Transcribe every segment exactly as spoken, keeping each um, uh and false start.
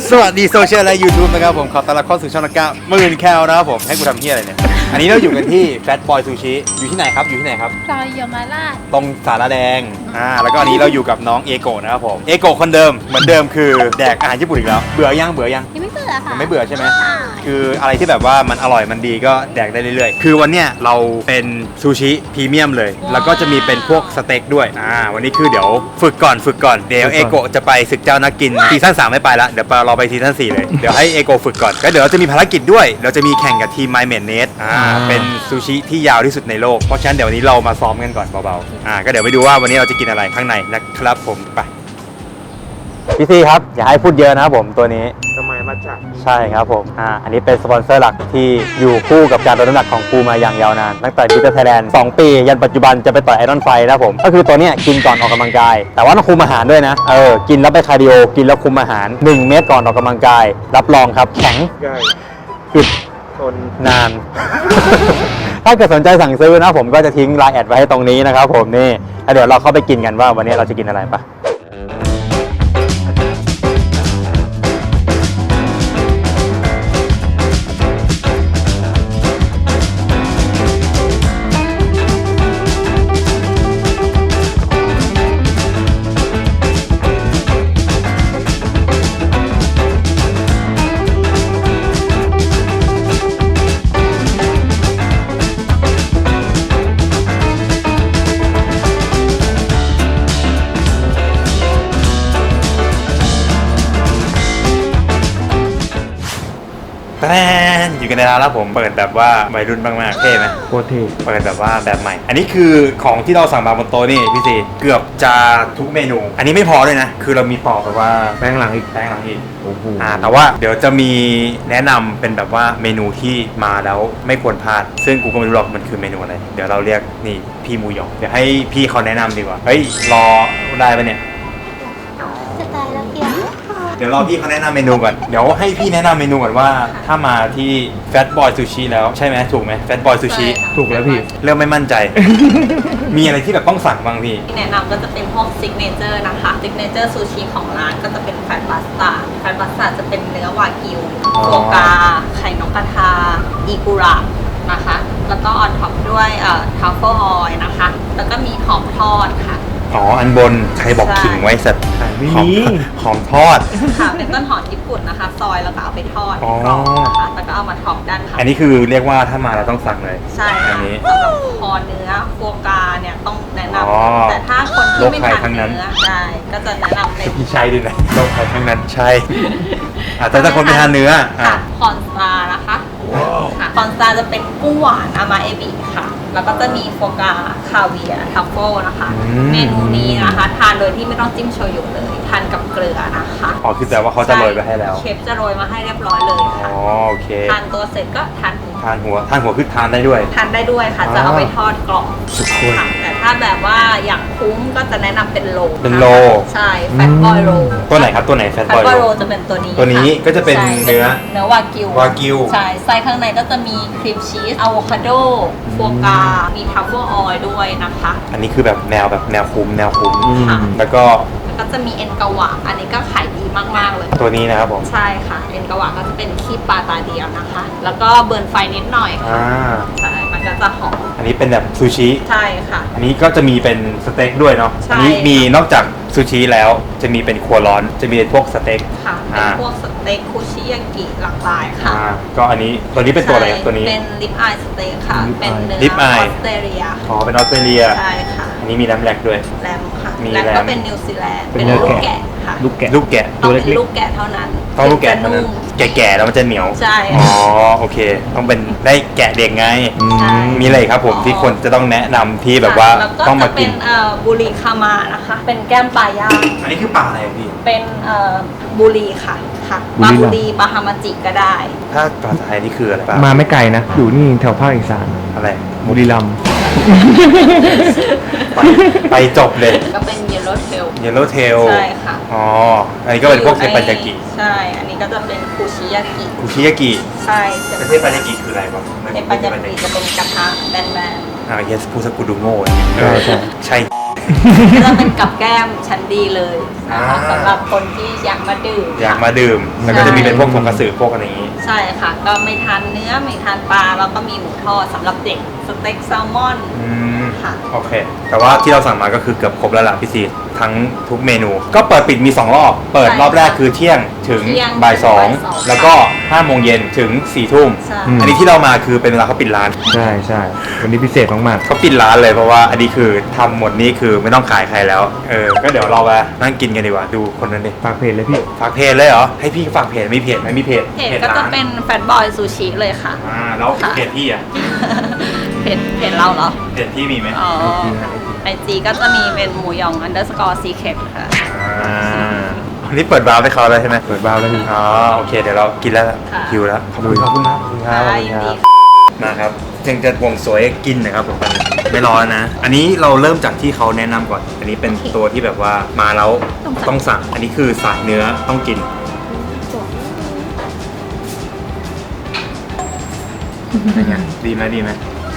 สวัสดีโซเชียลและ YouTube นะครับผมขอต้อนรับเข้าสู่ช่องนักกะหมื่นแคลนะครับผมให้กูทำเหี้ยอะไรเนี่ยอันนี้เราอยู่กันที่ Fat Boy Sushi อยู่ที่ไหนครับอยู่ที่ไหนครับซอยเยาวราชตรงสาราแดงอ่าแล้วก็อันนี้เราอยู่กับน้องเอโกะนะครับผมเอโกะคนเดิมเหมือนเดิมคือแดกอาหารญี่ปุ่นอีกแล้วเบื่อยังเบื่อยังยังไม่เบื่อค่ะยังไม่เบื่อใช่ไหมคืออะไรที่แบบว่ามันอร่อยมันดีก็แดกได้เรื่อยๆคือวันเนี้ยเราเป็นซูชิพรีเมียมเลยแล้วก็จะมีเป็นพวกสเต็กด้วยอ่าวันนี้คือเดี๋ยวฝึกก่อนฝึกก่อนเดี๋ยวเอโกะจะไปศึกเจ้านักกินซีซั่นสามไม่ไปละเดี๋ยวเราไปซีซั่นสี่เลยเดี๋ยวให้เอโกะฝึกก่อนก็เดี๋ยวเราจะมีภารกิจด้วยเราจะมีแข่งกับทีม My m a d n e t อ่าเป็นซูชิที่ยาวที่สุดในโลกเพราะฉะนั้นเดี๋ยววันนี้เรามาซ้อมกันก่อนเบาๆอ่าก็เดี๋ยวไปดูว่าวันนี้เราจะกินอะไรข้างในนะครับผมไปพี่ซีครับอย่าให้พูดเยอะนะครับผมตัวนี้ทำไมมาจากใช่ครับผมอ่าอันนี้เป็นสปอนเซอร์หลักที่อยู่คู่กับการลดน้ำหนักของกูมาอย่างยาวนานตั้งแต่ดิจิทัลไทยแลนด์สองปียันปัจจุบันจะไปต่อยไอรอนไฟนะครับผมก็คือตัวเนี้ยกินก่อนออกกำลังกายแต่ว่าต้องคุมอาหารด้วยนะเออกินแล้วไปคาร์ดิโอกินแล้วคุมอาหารหนึ่งเม็ดก่อนออกกำลังกายรับรองครับแข็งง่ายอึดทนนาน ถ้าเกิดสนใจสั่งซื้อนะผมก็จะทิ้งไลน์แอดไว้ให้ตรงนี้นะครับผมนี่แล้วเดี๋ยวเราเข้าไปกินกันว่าวันนี้เราจะกินอะไรปะแป้นอยู่กันในร้านแล้วผมเปิดแบบว่าวัยรุ่นมากๆเท่ไหมโคตรเท่เปิดแบบว่าแบบใหม่อันนี้คือของที่เราสั่งมาบนโต๊ะนี่พี่ซีเกือบจะทุกเมนูอันนี้ไม่พอเลยนะคือเรามีต่อแบบว่าแป้งหลังอีกแป้งหลังอีกโอ้โหอ่าแต่ว่าเดี๋ยวจะมีแนะนำเป็นแบบว่าเมนูที่มาแล้วไม่ควรพลาดซึ่งกูก็ไม่รู้หรอกมันคือเมนูอะไรเดี๋ยวเราเรียกนี่พี่มูหยองเดี๋ยวให้พี่เขาแนะนำดีกว่าเฮ้ยรอได้ปะเนี่ยจะตายแล้วเพียงเดี๋ยวรอพี่เขาแนะนำเมนูก่อนเดี๋ยวให้พี่แนะนำเมนูก่อนว่าถ้ามาที่ Fat Boy Sushi แล้วใช่ไหมถูกไหม Fat Boy Sushi ถูกแล้วพี่เริ่มไม่มั่นใจ มีอะไรที่แบบต้องสั่งบ้างพี่ที่แนะนำก็จะเป็นพวกซิกเนเจอร์นะคะซิกเนเจอร์ซูชิของร้านก็จะเป็นแฟตพาสต้าแฟตพาสต้าจะเป็นเนื้อวากิวโฟกาไข่นกกระทาอีกุระนะคะแล้วก็ออนท็อปด้วยเอ่อทัฟเฟิลออยล์นะคะแล้วก็มีหอมทอดค่ะอ๋ออันบนใครบอกขิงไว้สัตว์ไม่มีหอมทอดค่ะเป็นต้นหอมญี่ปุ่นนะคะซอยแล้วก็เอาไปทอดกรอบนะคะแล้วก็เอามาท็อปด้านค่ะอันนี้คือเรียกว่าถ้ามาเราต้องสั่งเลยใช่อันนี้สำหรับคอเนื้อโฟกาเนี่ยต้องแนะนำแต่ถ้าคนที่ไม่ทานเนื้อใช่ก็จะแนะนำเป็นพี่ชัยด้วยนะโรคภัยทั้งนั้นใช่แต่ถ้าคนไม่ทานเนื้อค่ะคอนซานะคะค่ะคอนซาจะเป็นกุ้งหวานอามาเอบิค่ะแล้วก็จะมีโฟกาคาเวียร์ทัฟเฟิลนะคะเมนูนี้นะคะทานโดยที่ไม่ต้องจิ้มโชยุเลยทานกับเกลือนะคะอ๋อคือแต่ว่าเขาจะโรยไปให้แล้วเชฟจะโรยมาให้เรียบร้อยเลยค่ะอ๋อโอเคทานตัวเสร็จก็ทานหัวทานหัวทานหัวคือทานได้ด้วยทานได้ด้วยค่ะจะเอาไปทอดกรอบค่ะแต่ถ้าแบบว่าอยากคุ้มก็จะแนะนำเป็นโลเป็นโลใช่แฟตบอยโลตัวไหนครับตัวไหนแฟตบอยโลจะเป็นตัวนี้ตัวนี้ก็จะเป็นเนื้อเนื้อวากิววากิวใช่ไส้ข้างในก็จะมีครีมชีสอะโวคาโดโฟกามีทัฟเฟิลออยล์ด้วยนะคะอันนี้คือแบบแนวแบบแนวคุ้มแนวคุ้มแล้วก็ก็จะมีเอ็นกะวะอันนี้ก็ขายดีมากๆเลยตัวนี้นะครับผมใช่ค่ะเอ็นกะวะก็จะเป็นขี้ปลาตาเดียวนะคะแล้วก็เบิร์นไฟนิดหน่อยค่ะใช่มันก็จะหอมอันนี้เป็นแบบซูชิใช่ค่ะอันนี้ก็จะมีเป็นสเต็กด้วยเนาะอันนี้มีนอกจากซูชิแล้วจะมีเป็นครัวร้อนจะมีพวกสเต็กค่ะเป็นพวกสเต็กคุชิยากิหลากหลายค่ะก็อันนี้ตัวนี้เป็นตัวอะไรตัวนี้เป็นลิปอายสเต็กค่ะเป็นเนื้อออสเตรเลียอ๋อเป็นออสเตรเลียใช่ค่ะอันนี้มีแรมแลกด้วยแรมค่ะแรมก็เป็นนิวซีแลนด์เป็นลูกแกะค่ะลูกแกะลูกแกะตัวเล็กลูกแกะเท่านั้นต้องลูกแกะเท่านั้นแก่ๆแล้วมันจะเหนียวใช่อ๋อโอเคต้องเป็นได้แกะเด็กไงมีอะไรครับผมที่คนจะต้องแนะนำที่แบบว่าต้องมากินบุรีคามานะคะเป็นแก้มปลาย่างอันนี้คือปลาอะไรพี่เป็นบุรีค่ะค่ะปลาบุรีปลาฮามาจิก็ได้ถ้าภาษาไทยนี่คืออะไรมาไม่ไกลนะอยู่นี่แถวภาคอีสานอะไรบุรีรัมย์ไปไปจบเลยก็เป็นเยลโล่เทลเยลโล่เทลใช่ค่ะอ๋ออันนี้ก็เป็นพวกเทปปัญญากิใช่อันนี้ก็จะเป็นคุชิยากิคุชิยากิใช่เทปปัญญากิคืออะไรบ้างเทปปัญญากิจะเป็นกระทะแบนๆอ่าเยสพูดสกุดูโง่ใช่ใช่ก็จะเป็นกับแก้มชั้นดีเลยนะคะอ่าสำหรับคนที่อยากมาดื่มอยากมาดื่ม แล้วก็จะมีเป็นพวกทงกระสือพวกอะไรอย่างนี้ใช่ค่ะ ก็ไม่ทานเนื้อไม่ทานปลาแล้วก็มีหมูทอดสำหรับเด็กสเต็กแซลมอนอืมค่ะโอเค แต่ว่าที่เราสั่งมาก็คือเกือบครบแล้วล่ะพี่ซีทั้งทุกเมนู ก็เปิดปิดมีสองรอบ เปิดรอบแรกคือเที่ยงถึงเที่ยงบ่ายสองบ่ายสองแล้วก็ห้าโมงเย็นถึงสี่ทุ่มใช่อืมอันนี้ที่เรามาคือเป็นเวลาเขาปิดร้านใช่ใช่วันนี้พิเศษมากเขาปิดร้านเลยเพราะว่าอันนี้คือทำหมดนี้คือไม่ต้องขายใครแล้ว เออ ก็เดี๋ยวเราไปนั่งกินกันดีกว่า ดูคนนั้นดิๆฝากเพจเลยพี่ฝากเพจเลยเหรอ ให้พี่ฝากเพจมีเพจไหมมีเพจเพจก็จะเป็นแฟตบอยซูชิเลยค่ะอ่าแล้วค่ะเพจพี่อ่ะเพจเพจเราเหรอเพจพี่มีไหมอ๋อไอจีก็จะมีเป็นหมูหยอง underscore secret ค่ะอ่าอันนี้เปิดบาร์ให้เขาแล้วใช่ไหมเปิดบ้าร์แล้วพี่อ๋อโอเคเดี๋ยวเรากินแล้วค่ะหิวแล้วขอบคุณขอบคุณครับขอบคุณครับได้ขอบคุณดีครับมาครับยังจะห่วงสวยกินนะครับผมไม่ร้อนนะ อันนี้เราเริ่มจากที่เขาแนะนำก่อน อันนี้เป็นตัวที่แบบว่ามาแล้วต้องสั่งอันนี้คือสายเนื้อต้องกินเป็นไงดีไหมดีไหม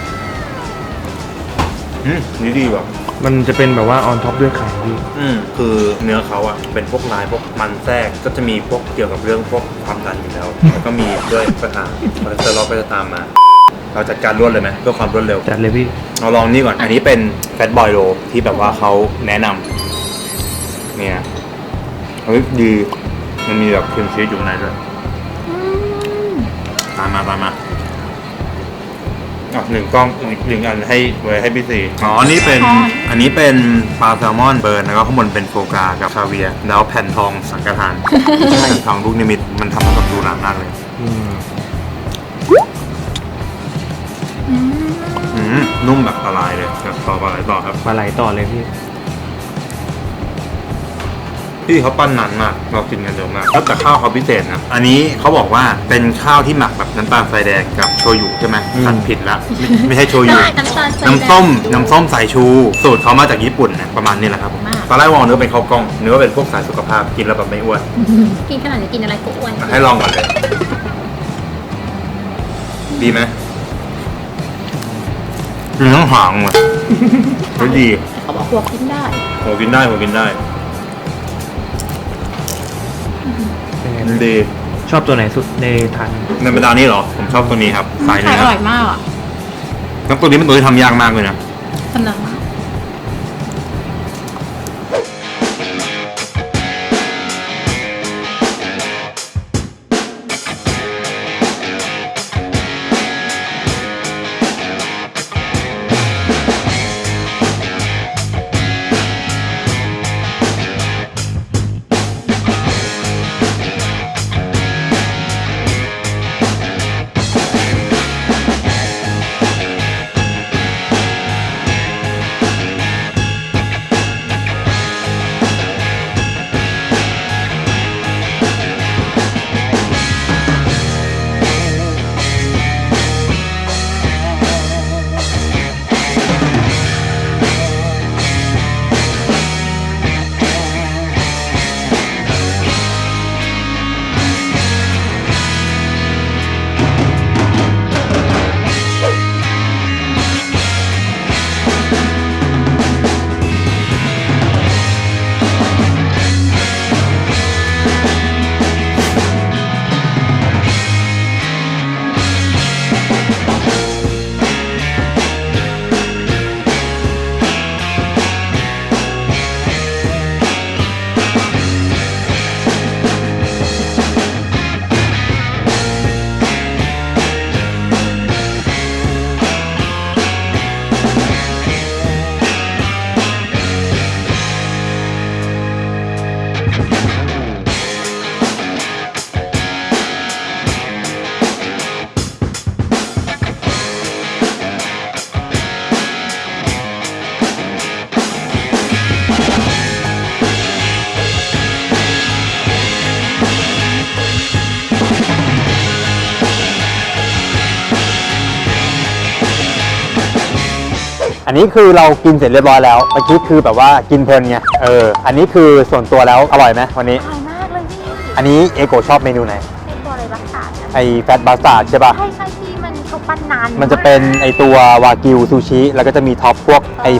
อืมนี่ดีว่ะมันจะเป็นแบบว่าออนท็อปด้วยไข่พี่อืมคือเนื้อเขาอะเป็นพวกลายพวกมันแทรกก็จะมีพวกเกี่ยวกับเรื่องพวกความดันอยู่แล้ว แล้วก็มีด้วยปัญหาคอเลสเตอรอลก็จะตามมา เราจัดการรวดเลยไหมเพื่อความรวดเร็วจัดเลยพี่เราลองนี่ก่อน อันนี้เป็นแฟตบอยโรที่แบบว่าเขาแนะนำเนี่ยเฮ้ยดีมันมีแบบครีมชีสอยู่ข้างในด้วยตามมาตามมาอ่ะหนึ่งกล้องอีกหนึ่งอันให้ไว้ให้พี่สี่อ๋อ นี่เป็น อันนี้เป็นปลาแซลมอนเบิร์นแล้วก็ข้างบนเป็นโฟกรากับคาเวียร์แล้วแผ่นทองสังกทานแผ่นทองลูกนิมิตมันทำให้กับดูหนามากเลยอืมอืมนุ่มแบบละลายเลยกับต่อปลาไหลต่อครับปลาไหลต่อเลยพี่พี่เขาปั้นนานมากเรากินกันเร็วมากแล้วแต่ข้าวเขาพิเศษนะอันนี้เขาบอกว่าเป็นข้าวที่หมักแบบน้ำตาลทรายแดงกับโชยุใช่ไหมอืมสั่นผิดละไม่ไม่ใช่โชยุได้น้ำตาลทรายแดงน้ำส้มน้ำส้มสายชู สูตรเขามาจากญี่ปุ่นนะประมาณนี้แหละครับมากตอนแรกมองเนื้อเป็นข้าวกล้องเนื้อเป็นพวกสายสุขภาพกินแล้วแบบไม่อ้วนกินขนาดนี้กินอะไรก็อ้วนให้ลองก่อนเลย ดีไหมมีทั้งหางว่ะเฮ้ยดีเขาบอกหัวกินได้โหกินได้โหกินได้เป็นไงมันดีชอบตัวไหนสุดในทันในบรรดานี้เหรอผมชอบตัวนี้ครับสายไข่เนื้ออร่อยมากอ่ะแล้วตัวนี้เป็นตัวที่ทำยากมากเลยนะกำลังมากอันนี้คือเรากินเสร็จเรียบร้อยแล้วเมื่อกี้คือแบบว่ากินเพลินไงเอออันนี้คือส่วนตัวแล้วอร่อยไหมวันนี้อร่อยมากเลยพี่อันนี้เอโกชอบเมนูไหนเป็นตัวอะไรรักษาเนี่ยไอแฟตบัสตาร์ดใช่ป่ะใช่ใช่พี่มันเขาปั้นนานมันจะเป็นไอตัววากิวซูชิแล้วก็จะมีท็อปพวกไอไข่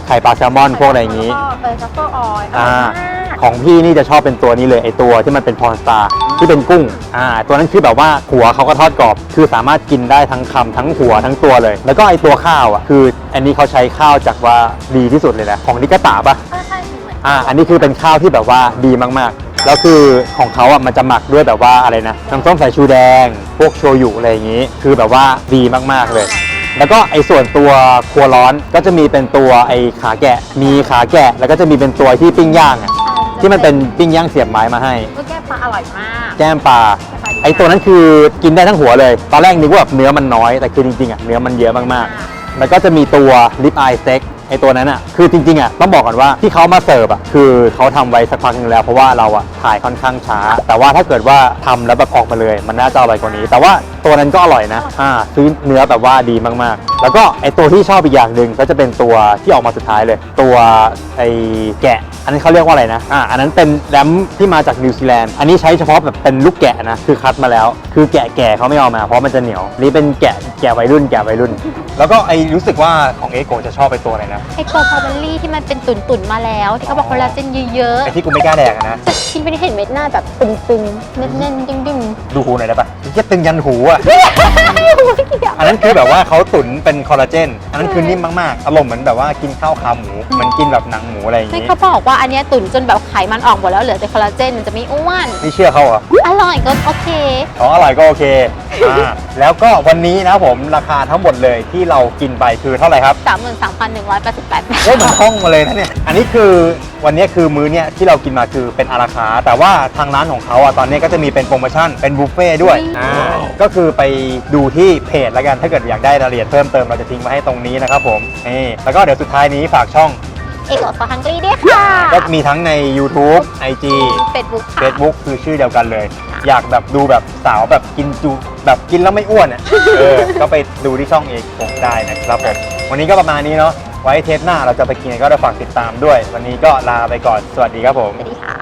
ไข่ปลาแซลมอนพวกอะไรอย่างนี้แล้วก็เออซัฟเฟอร์ออยล์อร่อ่าอยมากของพี่นี่จะชอบเป็นตัวนี้เลยไอตัวที่มันเป็นพรสตาร์ที่เป็นกุ้งอ่าตัวนั้นคือแบบว่าหัวเขาก็ทอดกรอบ คือสามารถกินได้ทั้งคำทั้งหัวทั้งตัวเลย แล้วก็ไอตัวข้าวอ่ะคืออันนี้เขาใช้ข้าวจากว่าดีที่สุดเลยนะของนิกาตะปะเออใช่เหมือนอ่าอันนี้คือเป็นข้าวที่แบบว่าดีมากๆ แล้วคือของเขาอ่ะมันจะหมักด้วยแบบว่าอะไรนะน้ำส้มสายชูแดง พวกโชยุอะไรอย่างนี้ คือแบบว่าดีมากๆเลย แล้วก็ไอ้ส่วนตัวครัวร้อนก็จะมีเป็นตัวไอ้ขาแกะ มีขาแกะ แล้วก็จะมีเป็นตัวที่ปิ้งย่างอ่ะที่มันเป็นปิ้งย่างเสียบไม้มาให้ก็แก้ปลาอร่อยมากแก้มปลาไอ้ตัวนั้นคือกินได้ทั้งหัวเลย ตอนแรกนึกว่าแบบเนื้อมันน้อยแต่คือจริงๆอ่ะเนื้อมันเยอะมากๆ แล้วก็จะมีตัวลิปอายสเต็กไอตัวนั้นอ่ะคือจริงๆอ่ะต้องบอกก่อนว่าที่เขามาเสิร์ฟอ่ะคือเขาทำไว้สักพักนึงแล้วเพราะว่าเราอ่ะถ่ายค่อนข้างช้า แต่ว่าถ้าเกิดว่าทำแล้วแบบออกมาเลยมันน่าจะอร่อยกว่านี้ แต่ว่าตัวนั้นก็อร่อยนะอ่าซื้อเนื้อแบบว่าดีมากๆ แล้วก็ไอตัวที่ชอบอีกอย่างหนึ่งก็จะเป็นตัวที่ออกมาสุดท้ายเลย ตัวไอแกะ อันนี้เขาเรียกว่าอะไรนะอ่าอันนั้นเป็นแรมที่มาจากนิวซีแลนด์อันนี้ใช้เฉพาะแบบเป็นลูกแกะนะคือคัดมาแล้ว คือแกะแก่เขาไม่เอามาเพราะมันจะเหนียวนี่เป็นแกะแกะวัยรุ่นแกะวัยรุ่น แล้วก็ไอรู้สึกว่าของเอโกจะชอบไปตัวอะไรนะไอตัวพาวเบอรี่ที่มันเป็นตุ่นๆมาแล้ว ที่เขาบอกคอลลาเจนเยอะไอที่กูไม่กล้าแดกอะนะๆจะกินไปได้เห็นเม็ดหน้าแบบตึงๆแน่นๆดึงๆดูหูหน่อยได้ปะแค่ตึงยันหูอ่ะไม่เกี่ยวอันนั้นคือแบบว่าเขาตุ๋นเป็นคอลลาเจน อันนั้นคือนิ่มมากๆ อารมณ์เหมือนแบบว่ากินข้าวขาหมูเหมือนกินแบบหนังหมูอะไรอย่างไม่งี้เขาบอกว่าอันเนี้ยตุ่นจนแบบไขมันออกหมดแล้วเหลือแต่คอลลาเจนมันจะไม่อ้วนนี่เชื่อเขาเหรออร่อยก็โอเคอ๋ออร่อยก็โอเคอ่าแล้วก็วันนี้นะครับผมราคาทั้งหมดเลยที่เรากินไปคือเท่าไหร่ครับสามหมื่นสามพันหนึ่งร้อยแปดสิบแปดบาทเฮ้ยมันคล่องมาเลยนะเนี่ย อันนี้คือวันนี้คือมื้อเนี่ยที่เรากินมาคือเป็นอาราคาร์ทแต่ว่าทางร้านของเขาอ่ะตอนนี้ก็จะมีเป็นโปรโมชั่นเป็นบุฟเฟ่ต์ด้วย อ่า ก็คือไปดูที่เพจแล้วกัน ถ้าเกิดอยากได้รายละเอียดเพิ่มเติมเราจะทิ้งไว้ให้ตรงนี้นะครับผมนี่แล้วก็เดี๋ยวสุดท้ายนี้ฝากช่องเอกโอซอฮังกรีด้วยค่ะก็มีทั้งใน YouTube ไอ จีเฟซบุ๊กค่ะ Facebook คือชื่อเดียวกันเลย อยากแบบดูแบบสาวแบบกินจูแบบกินแล้วไม่อ้วนอ่ะ เออ ก็ไปดูที่ช่องเอกผมได้นะครับผม วันนี้ก็ประมาณนี้เนาะ ไว้เทปหน้าเราจะไปกินก็ได้ฝากติดตามด้วย วันนี้ก็ลาไปก่อน สวัสดีครับผมสวัสดีค่ะ